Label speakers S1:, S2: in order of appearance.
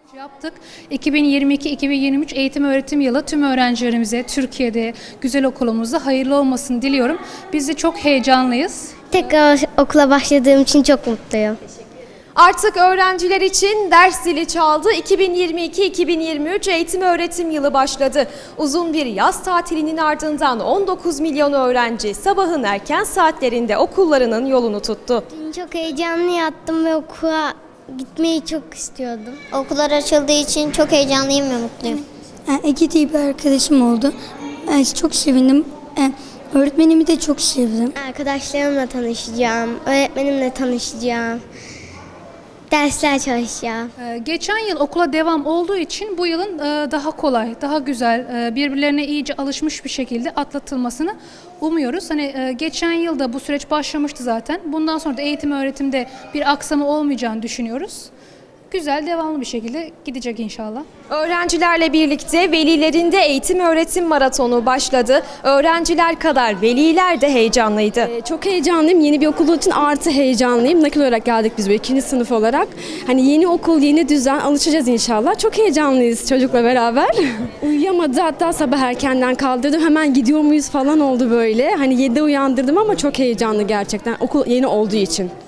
S1: Yaptık. 2022-2023 eğitim öğretim yılı tüm öğrencilerimize Türkiye'de güzel okulumuzda hayırlı olmasını diliyorum. Biz de çok heyecanlıyız.
S2: Tekrar okula başladığım için çok mutluyum.
S3: Artık öğrenciler için ders zili çaldı. 2022-2023 eğitim öğretim yılı başladı. Uzun bir yaz tatilinin ardından 19 milyon öğrenci sabahın erken saatlerinde okullarının yolunu tuttu.
S2: Dün çok heyecanlı yattım ve okula gitmeyi çok istiyordum.
S4: Okullar açıldığı için çok heyecanlıyım ve mutluyum.
S5: Ege diye bir arkadaşım oldu. Çok sevindim. Öğretmenimi de çok sevdim.
S2: Arkadaşlarımla tanışacağım, öğretmenimle tanışacağım. Dersler çalışacağım.
S1: Geçen yıl okula devam olduğu için bu yılın daha kolay, daha güzel, birbirlerine iyice alışmış bir şekilde atlatılmasını umuyoruz. Hani geçen yılda bu süreç başlamıştı zaten. Bundan sonra da eğitim öğretimde bir aksama olmayacağını düşünüyoruz. Güzel, devamlı bir şekilde gidecek inşallah.
S3: Öğrencilerle birlikte velilerin de eğitim öğretim maratonu başladı. Öğrenciler kadar veliler de heyecanlıydı.
S6: Çok heyecanlıyım. Yeni bir okul için artı heyecanlıyım. Nakil olarak geldik biz böyle 2. sınıf olarak. Hani yeni okul, yeni düzen alışacağız inşallah. Çok heyecanlıyız çocukla beraber. Uyuyamadı, hatta sabah erkenden kaldırdım. Hemen gidiyor muyuz falan oldu böyle. Hani 7'de uyandırdım ama çok heyecanlı gerçekten okul yeni olduğu için.